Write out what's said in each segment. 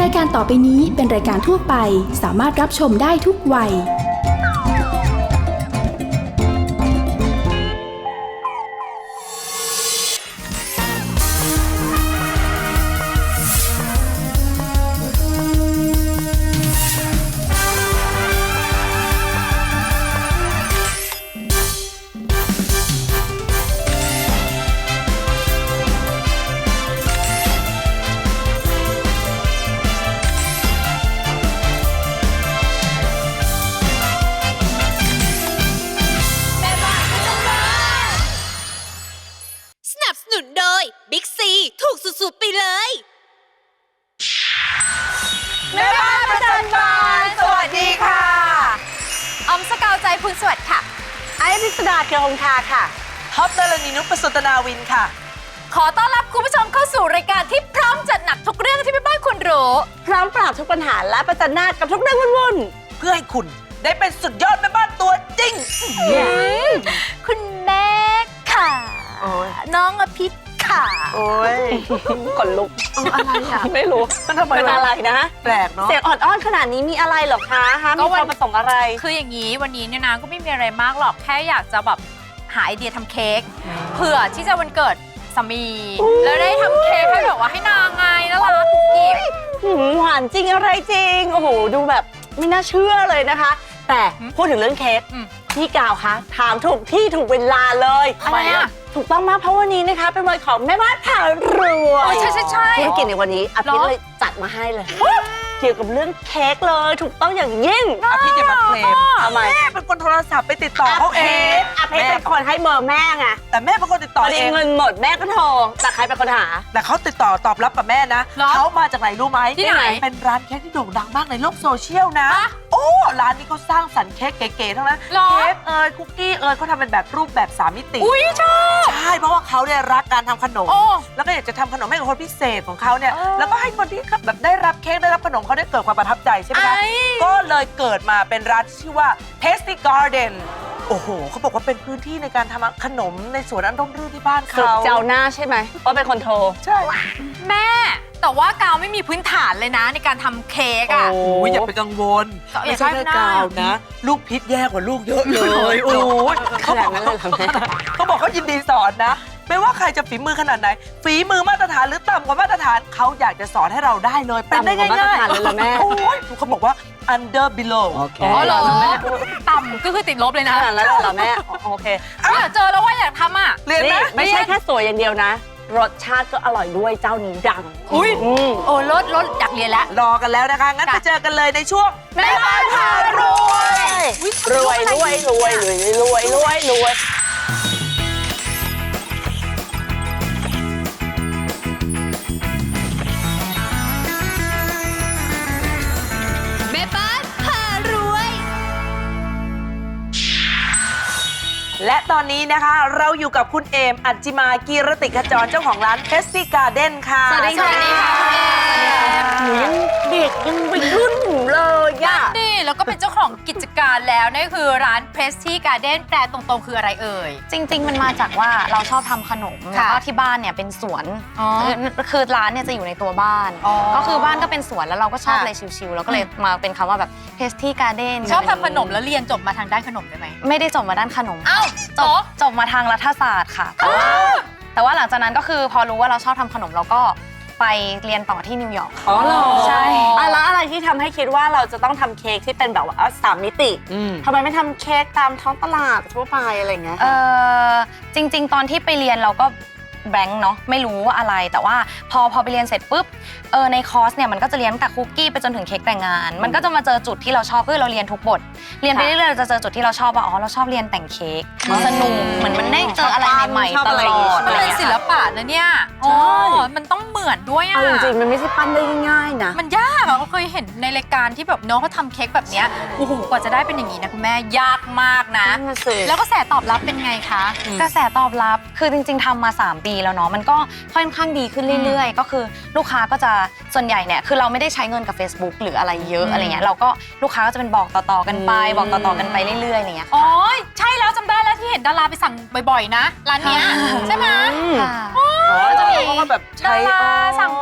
รายการต่อไปนี้เป็นรายการทั่วไปสามารถรับชมได้ทุกวัยบิ๊กซีถูกสุดๆไปเลยแม่บ้านประจำบานสวัสดีค่ะออมสกาวใจพูนสวัสดิ์ค่ะไอพิสดาเกียวงคาค่ะท็อปดารณีนุชประสนตนาวินค่ะขอต้อนรับคุณผู้ชมเข้าสู่รายการที่พร้อมจัดหนักทุกเรื่องที่แม่บ้านควรรู้พร้อมปราบทุกปัญหาและประจันหน้ากับทุกเรื่องวุ่นๆเพื่อให้คุณได้เป็นสุดยอดแม่บ้านตัวจริงคุณแม่ค่ะน้องอภิษค่ะโอ้ยขนลุกอะไรอ่ะไม่รู้มันทำไมเป็นอะไรนะแปลกเนาะเสียงอ่อนๆขนาดนี้มีอะไรหรอคะมีความประสงค์อะไรคืออย่างนี้วันนี้เนี่ยนะก็ไม่มีอะไรมากหรอกแค่อยากจะแบบหาไอเดียทำเค้กเผื่อที่จะวันเกิดสามีแล้วได้ทำเค้กให้แบบว่าให้นางไงน่ารักกุ๊กกิ๊บหวานจริงอะไรจริงโอ้โหดูแบบไม่น่าเชื่อเลยนะคะแต่พูดถึงเรื่องเค้กพี่กาวคะถามถูกที่ถูกเวลาเลยอะไรอ่ะถูกต้องมากเพราะวันนี้นะคะเป็นวันของแม่บ้านผ่ารวยใช่ธุรกิจในวันนี้อภิษเลยจัดมาให้เลยเกี่ยวกับเรื่องเค้กเลยถูกต้องอย่างยิ่งอภิษอย่ามาเคลมทำไมแม่เป็นคนโทรศัพท์ไปติดต่อเขาเองอภิษเป็นคนให้เบอร์แม่ไงแต่แม่เป็นคนติดต่อเองเงินหมดแม่ก็โทรแต่ใครเป็นคนหาแต่เขาติดต่อตอบรับกับแม่นะเขามาจากไหนรู้ไหมที่ไหนเป็นร้านเค้กที่โด่งดังมากในโลกโซเชียลนะโอ้ร้านนี้เขาสร้างสรรค์เค้กเก๋ๆทั้งนั้นเค้กคุกกี้เขาทำเป็นแบบรูปแบบ3 มิติอุ้ยชอบใช่เพราะว่าเขาเนี่ยรักการทำขนมแล้วก็อยากจะทำขนมให้กับคนพิเศษของเขาเนี่ยแล้วก็ให้คนที่แบบได้รับเค้กได้รับขนมเขาได้เกิดความประทับใจใช่ไหมคะก็เลยเกิดมาเป็นร้านที่ชื่อว่า Tasty Garden โอ้โหเขาบอกว่าเป็นพื้นที่ในการทำขนมในสวนอันร่มรื่นที่บ้านเขาเจ้าหน้าใช่ไหมว่าเป็นคนโทรใช่แม่แต่ว่ากาวไม่มีพื้นฐานเลยนะในการทำเค้กอ่ะโอ้ยอย่าไปกังวลไม่ใช่แค่กาวนะลูกพิษแย่กว่าลูกเยอะเลยโอ้ยเขาบอกเขายินดีสอนนะไม่ว่าใครจะฝีมือขนาดไหนฝีมือมาตรฐานหรือต่ำกว่ามาตรฐานเขาอยากจะสอนให้เราได้เลยเป็นได้ง่ายๆเลยละแม่โอ้ยเขาบอกว่า under below อ๋อเหรอต่ำก็คือติดลบเลยนะแล้วเหรอแม่โอเคอยากเจอแล้วว่าอยากทำอ่ะเรียนไหมไม่ใช่แค่สวยอย่างเดียวนะรสชาติก็อร่อยด้วยเจ้านี้ดังอุ้ยโอ้รสอยากเรียนแล้วรอกันแล้วนะคะงั้นไปเจอกันเลยในช่วงแม่บ้านพารวยรวยรวยรวยรวยรวยรวยรวยแม่บ้านพารวยและตอนนี้นะคะเราอยู่กับคุณเอมอัจจิมากีรติขจรเจ้าของร้าน Tasty Garden ค่ะสวัสดีค่ะหนูยังเด็กยังวัยรุ่นอยู่เลยอ่ะนี่แล้วก็เป็นเจ้าของกิจการแล้วนั่นคือร้าน Tasty Garden แปลตรงๆคืออะไรเอ่ยจริงๆมันมาจากว่าเราชอบทำขนมแล้วก็ที่บ้านเนี่ยเป็นสวนคือร้านเนี่ยจะอยู่ในตัวบ้านก็คือบ้านก็เป็นสวนแล้วเราก็ชอบอะไรชิลๆแล้วก็เลยมาเป็นคำว่าแบบ Tasty Garden ชอบทำขนมแล้วเรียนจบมาทางด้านขนมได้ไหมไม่ได้จบมาด้านขนมอ้าวจบมาทางรัฐศาสตร์ค่ะแต่ว่าหลังจากนั้นก็คือพอรู้ว่าเราชอบทำขนมเราก็ไปเรียนต่อที่นิวยอร์กอ๋อเหรอใช่แล้วอะไรที่ทำให้คิดว่าเราจะต้องทำเค้กที่เป็นแบบว่า3 มิติทำไมไม่ทำเค้กตามท้องตลาดทั่วไปอะไรเงี้ยจริงๆตอนที่ไปเรียนเราก็แบงค์เนาะไม่รู้ว่าอะไรแต่ว่าพอไปเรียนเสร็จปุ๊บในคอร์สเนี่ยมันก็จะเรียนตั้งแต่คุกกี้ไปจนถึงเค้กแต่งงานมันก็จะมาเจอจุดที่เราชอบคือเราเรียนทุกบทเรียนไปเรื่อยๆเราจะเจอจุดที่เราชอบว่าอ๋อเราชอบเรียนแต่งเค้กสนุกเหมือนมันได้เจออะไรใหม่ๆตลอดมันเป็นศิลปะนะเนี่ยมันต้องเหมือนด้วยอ่ะจริงๆมันไม่ใช่ปั้นได้ง่ายๆนะมันยากอ่ะเราเคยเห็นในรายการที่แบบน้องเขาทำเค้กแบบเนี้ยโอ้โหกว่าจะได้เป็นอย่างนี้นะคุณแม่ยากมากนะแล้วกระแสตอบรับเป็นไงคะกระแสตอบรับคือจริงๆทำมา3 ปีแล้วเนาะมันก็ค่อนข้างดีขึ้นเรื่อยๆก็คือลูกค้าก็จะส่วนใหญ่เนี่ยคือเราไม่ได้ใช้เงินกับ Facebook หรืออะไรเยอะอะไรเงี้ยเราก็ลูกค้าก็จะเป็นบอกต่อๆกันไปบอกต่อๆกันไปเรื่อยๆอะไรเงี้ยอ๋อใช่แล้วจำได้แล้วที่เห็นดาราไปสั่งบ่อยๆนะร้านเนี้ยใช่ไหมจะมีเขาก็แบบดาราสั่งบ่อย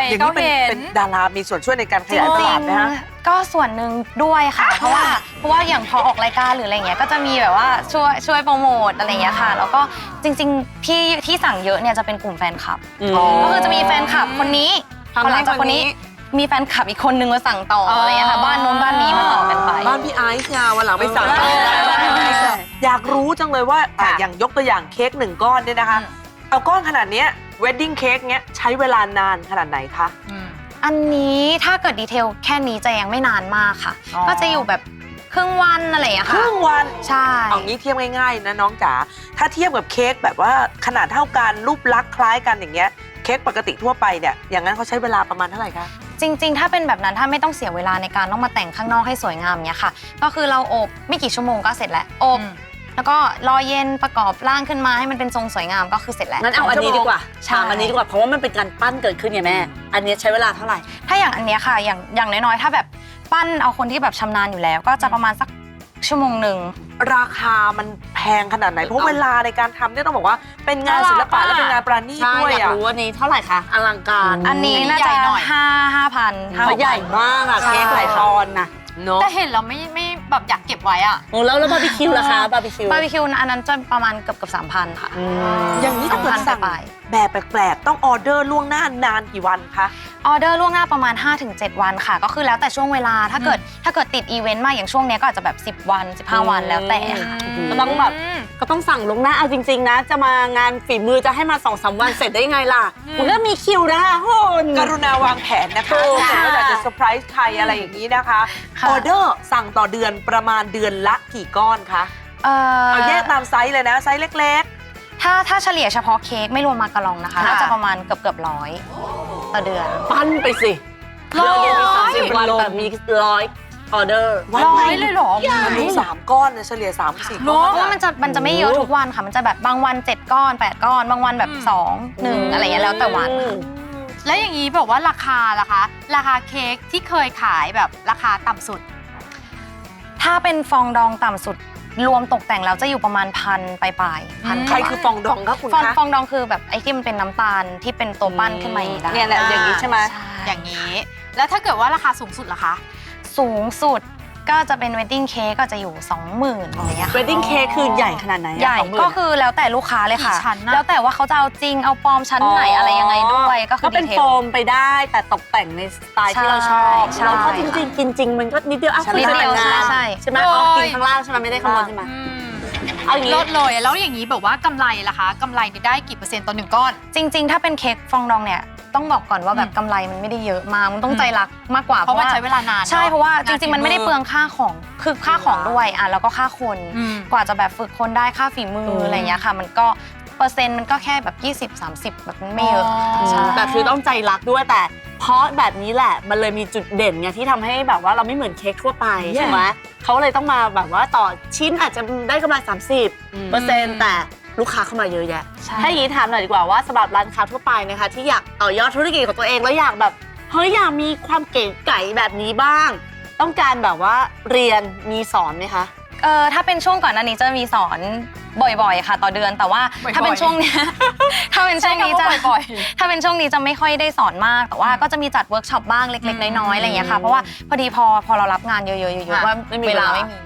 อย่างก็นี้เห็นเป็นดารามีส่วนช่วยในการขจยายตริลาง ดไหมคะๆก็ส่วนหนึ่งด้วยค่ะ เพราะว่าอย่างพอออกรายการหรืออะไรเงี้ยก็จะมีแบบว่าช่วยโปรโมทอะไรเงี้ยค่ะ แล้วก็จริงๆที่สั่งเยอะเนี่ยจะเป็นกลุ่มแฟนคลับ ก็คือจะมีแฟนคลับคนนี้พอหลังจากคนนี้มีแฟนคลับอีกคนนึงมาสั่งต่ออะไรเงี้ยค่ะบ้านนู้นบ้านนี้มาต่อกันไปบ้านพี่ไอซ์เนี่ยวันหลังไปสั่งอยากรู้จังเลยว่าอย่างยกตัวอย่างเค้ก1 ก้อนเนี่ยนะคะ เอาก้อนขนาดเนี้ยเวดดิ้งเค้กเนี้ยใช้เวลานานขนาดไหนคะอันนี้ถ้าเกิดดีเทลแค่นี้จะยังไม่นานมากค่ะอ๋อก็จะอยู่แบบครึ่งวันอะไรอย่างเงี้ยคค่ะรึ่งวันใช่เอางี้เทียบง่ายๆนะน้องจ๋าถ้าเทียบกับเค้กแบบว่าขนาดเท่ากันรูปลักษณ์คล้ายกันอย่างเงี้ยเค้กปกติทั่วไปเนี่ยอย่างนั้นเขาใช้เวลาประมาณเท่าไหร่คะจริงๆ ถ้าเป็นแบบนั้นถ้าไม่ต้องเสียเวลาในการต้องมาแต่งข้างนอกให้สวยงามเนี้ยค่ะ ก็คือเราอบไม่กี่ชั่วโมงก็เสร็จแล้วอบแล้วก็รอเย็นประกอบร่างขึ้นมาให้มันเป็นทรงสวยงามก็คือเสร็จแล้วงั้นเอาอันนี้ดีกว่าใช่ถามอันนี้ดีกว่าเพราะว่ามันเป็นการปั้นเกิดขึ้นไงแม่ อันนี้ใช้เวลาเท่าไหร่ถ้าอย่างอันเนี้ยค่ะอย่างน้อยๆถ้าแบบปั้นเอาคนที่แบบชำนาญอยู่แล้ว ก็จะประมาณสักชั่วโมงหนึ่งราคามันแพงขนาดไหนเพราะเวลาในการทำเนี่ยต้องบอกว่าเป็นงานศิลปะและเป็นงานประณีตใช่ด้วยอยากอ่ะรู้ว่านี้เท่าไหร่คะอลังการอันนี้น่าใหญ่จะหน่อย 5,000 เขาใหญ่มากอะเค้กหลายปอนด์นะเนาะแต่เห็นเราไม่แบบอยากเก็บไว้อะโอ้แล้วบาร์บีคิวล่ะคะบาร์บีคิวบาร์บีคิวอันนั้นจะประมาณเกือบ 3,000 ค่ะอย่างนี้ถ้าเกิดสั่งไปแบบแปลกๆต้องออเดอร์ล่วงหน้านานกี่วันคะออเดอร์ล่วงหน้าประมาณ 5-7 วันค่ะ ก็คือแล้วแต่ช่วงเวลาถ้าเกิดติดอีเวนต์มากอย่างช่วงเนี้ยก็อาจจะแบบ10 วัน 15 วันแล้วแต่ค่ะก็ต้องแบบก็ต้องสั่งลวงหน้าเอาจริงๆนะ จะมางานฝีมือจะให้มา 2-3 วันเสร็จได้ยังไงล่ะมันก็มีคิวนะคะคุณกรุณาวางแผนนะคะถูกถ้าเกิดว่าอยากจะเซอร์ไพรส์ใครอะไรอย่างนี้นะคะค่ะออเดอร์สั่งต่อเดือนประมาณเดือนละกี่ก้อนคะ เอาแยกตามไซส์เลยนะ ไซส์เล็กถ้าเฉลี่ยเฉพาะเค้กไม่รวมมากะลองนะคะค่ะน่าจะประมาณเกือบ100ต่อเดือนปั้นไปสิร้อยเดือนมี30 วันแต่มี100ออเดอร์ๆวันร้ไหอน ยเลยเหรอมันรู้3 ก้อนเนี่ยเฉลี่ย3-4 เนก้ออะนเพราะว่ามันจะไม่เยอะทุกวันค่ะ มันจะแบบบางวัน7 ก้อน 8 ก้อน บางวันแบบ2 1อะไรอย่างเงี้ยแล้วแต่วันค่ะแล้วอย่างนี้แบบว่าราคาล่ะคะ ราคาเค้กที่เคยขายแบบราคาต่ำสุดถ้าเป็นฟองดองต่ำสุดรวมตกแต่งแล้วจะอยู่ประมาณ1,000ปลายๆพันใครคือฟองดองคะคุณฟองคะฟองดองคือแบบไอ้ที่มันเป็นน้ำตาลที่เป็นตัวปั้นขึ้นมาอย่างนี้ได้เนี่ยแหละอย่างนี้ใช่ไหมใช่อย่างนี้ แล้วถ้าเกิดว่าราคาสูงสุดล่ะคะสูงสุดก็จะเป็นเวดดิ้งเค้กก็จะอยู่ 20,000อะไรอย่างเงี้ยค่ะเวดดิ้งเค้กคือใหญ่ขนาดไหนอะใหญ่ 20,000 ก็คือแล้วแต่ลูกค้าเลยค่ะกี่ชั้นน่ะแล้วแต่ว่าเขาจะเอาจริงเอาปลอมชั้นไหนอะไรยังไงด้วยก็คือก็เป็นดีทลโฟมไปได้แต่ตกแต่งในสไตล์ที่เราชอบใช่แล้วก็จริงๆกินจริงมันก็นิดเดียวอ่ะนิดเดียวคุณจะแต่งงานใช่ใช่ไหมโอ้ยอ๋อกินข้างล่างใช่ไหมไม่ได้ข้างบนใช่ไหม เอาอย่างนี้ลดเลยแล้วอย่างนี้แบบว่ากำไรล่ะคะกำไรนี่ได้กี่เปอร์เซ็นต์ต่อ1 ก้อนจริงๆ ถ้าเป็นเค้กฟองดองเนี่ยต้องบอกก่อนว่าแบบกำไรมันไม่ได้เยอะมากมันต้องใจรักมากกว่าเพราะมันใช้เวลานานใช่นอเพราะว่าจริงๆ มันไม่ได้เปลืองค่าของคือค่าของด้วยอ่ะแล้วก็ค่าคนอืมกว่าจะแบบฝึกคนได้ค่าฝีมืออะไรอย่างเงี้ยค่ะ มันก็เปอร์เซ็นต์มันก็แค่แบบ20-30แบบมันไม่เยอะอ๋อใช่แต่คือต้องใจรักด้วยแต่เพราะแบบนี้แหละมันเลยมีจุดเด่นไงที่ทำให้แบบว่าเราไม่เหมือนเค้กทั่วไปใช่ไหมเขาเลยต้องมาแบบว่าต่อชิ้นอาจจะได้กำไร30%แต่ลูกค้าเข้ามาเยอะแยะใช่ถ้าอย่างนี้ถามหน่อยดีกว่าว่าสำหรับร้านค้าทั่วไปนะคะที่อยากต่อยอดธุรกิจของตัวเองแล้วอยากแบบเฮ้ยอยากมีความเก๋ไก๋แบบนี้บ้าง ต้องการแบบว่าเรียนมีสอนไหมคะถ้าเป็นช่วงก่อนหน้านี้จะมีสอนบ่อยๆ ค่ะ ต่อเดือนแต่ว่าบ่อยๆถ้าเป็นช่วงเนี้ย ถ้าเป็นช่วงนี้จะใช้คำว่าบ่อยถ้าเป็นช่วงนี้จะไม่ค่อยได้สอนมาก แต่ว่าก็จะมีจัดเวิร์กช็อปบ้างเล็กๆ น้อยๆอะไรอย่างเงี้ยค่ะเพราะว่าพอดีพอเรารับงานเยอะๆว่าไม่มีเวลาเวลาไม่มี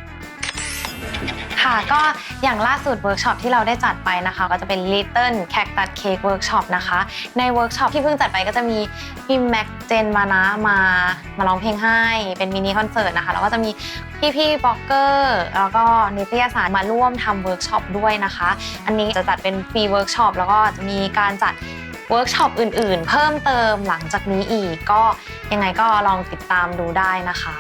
ค่ะก็อย่างล่าสุดเวิร์กช็อปที่เราได้จัดไปนะคะก็จะเป็น Little Cactus Cake Workshop นะคะในเวิร์กช็อปที่เพิ่งจัดไปก็จะมีพี่แม็กเจนมานะมาร้องเพลงให้เป็นมินิคอนเสิร์ตนะคะแล้วก็จะมีพี่บล็อกเกอร์แล้วก็นิตยสารมาร่วมทำเวิร์กช็อปด้วยนะคะอันนี้จะจัดเป็นฟรีเวิร์กช็อปแล้วก็จะมีการจัดเวิร์กช็อปอื่นๆ เพิ่มเติมหลังจากนี้อีกก็ยังไงก็ลองติดตามดูได้นะคะ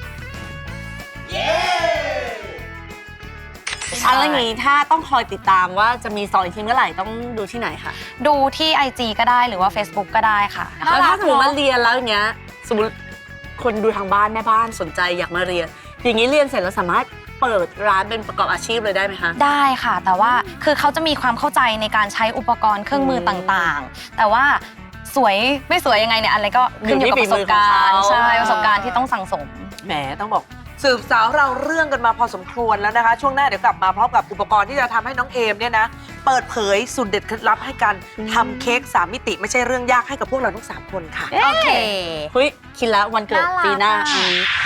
อะไรอย่างนี้ถ้าต้องคอยติดตามว่าจะมีสอนอีกทีเมื่อไหร่ต้องดูที่ไหนคะดูที่ IG ก็ได้หรือว่า Facebook ก็ได้ค่ะแล้วถ้าสมมติมาเรียนแล้วอย่างเงี้ยสมมติคนดูทางบ้านแม่บ้านสนใจอยากมาเรียน อย่างนี้เรียนเสร็จแล้วสามารถเปิดร้านเป็นประกอบอาชีพเลยได้ไหมคะได้ค่ะ แต่ว่าคือเขาจะมีความเข้าใจในการใช้อุปกรณ์เครื่องมือต่างๆ แต่ว่าสวยไม่สวยยังไงเนี่ยอะไรก็ขึ้นอยู่กับประสบการณ์ใช่ประสบการณ์ที่ต้องสั่งสมแหมต้องบอกสืบสาวเราเรื่องกันมาพอสมควรแล้วนะคะ ช่วงหน้าเดี๋ยวกลับมาพร้อมกับอุปกรณ์ที่จะทำให้น้องเอมเนี่ยนะเปิดเผยสูตรเด็ดเคล็ดลับให้การทำเค้ก3 มิติไม่ใช่เรื่องยากให้กับพวกเราทั้ง3 คนค่ะโอเคเฮ้ยคิดแล้ววันเกิดน่ารักปีหน้าอะอันนี้